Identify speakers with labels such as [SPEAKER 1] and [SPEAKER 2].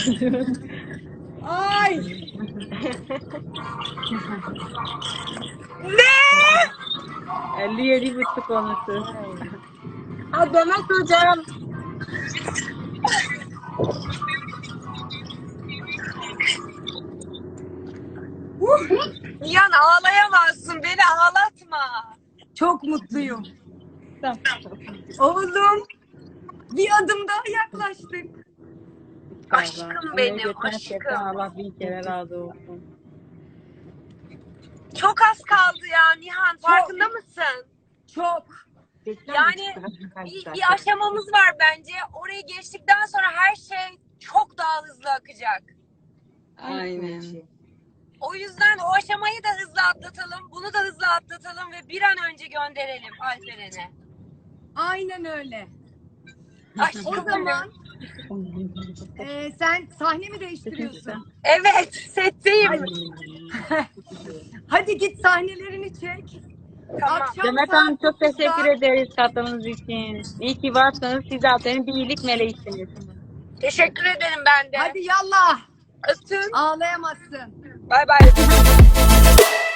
[SPEAKER 1] Ay.
[SPEAKER 2] Ne?
[SPEAKER 3] 57,5 olmuştu.
[SPEAKER 2] Ha, Demet hocam. Nihan ağlayamazsın. Beni ağlatma.
[SPEAKER 1] Çok mutluyum.
[SPEAKER 3] Tamam.
[SPEAKER 1] Oğlum. Bir adım daha yaklaştık.
[SPEAKER 2] Aşkım benim,
[SPEAKER 3] Gerçekten
[SPEAKER 2] aşkım.
[SPEAKER 3] Allah bin kere razı olsun.
[SPEAKER 2] Çok az kaldı ya Nihan. Farkında mısın?
[SPEAKER 1] Çok.
[SPEAKER 2] Yani bir aşamamız var bence. Orayı geçtikten sonra her şey çok daha hızlı akacak.
[SPEAKER 3] Aynen.
[SPEAKER 2] O yüzden o aşamayı da hızlı atlatalım. Bunu da hızlı atlatalım ve bir an önce gönderelim Alperen'e.
[SPEAKER 1] Aynen öyle.
[SPEAKER 2] Aşkım
[SPEAKER 1] O zaman sen sahne mi değiştiriyorsun?
[SPEAKER 2] evet, setteyim.
[SPEAKER 1] Hadi git sahnelerini çek.
[SPEAKER 2] Tamam.
[SPEAKER 1] Akşam
[SPEAKER 3] Demet
[SPEAKER 1] saat
[SPEAKER 3] Hanım çok
[SPEAKER 1] 9'da
[SPEAKER 3] teşekkür ederiz katkınız için. İyi ki varsınız. Siz zaten bir iyilik meleğisiniz.
[SPEAKER 2] Teşekkür ederim ben de.
[SPEAKER 1] Hadi yallah.
[SPEAKER 2] Öptüm.
[SPEAKER 1] Ağlayamazsın.
[SPEAKER 2] Bay bay.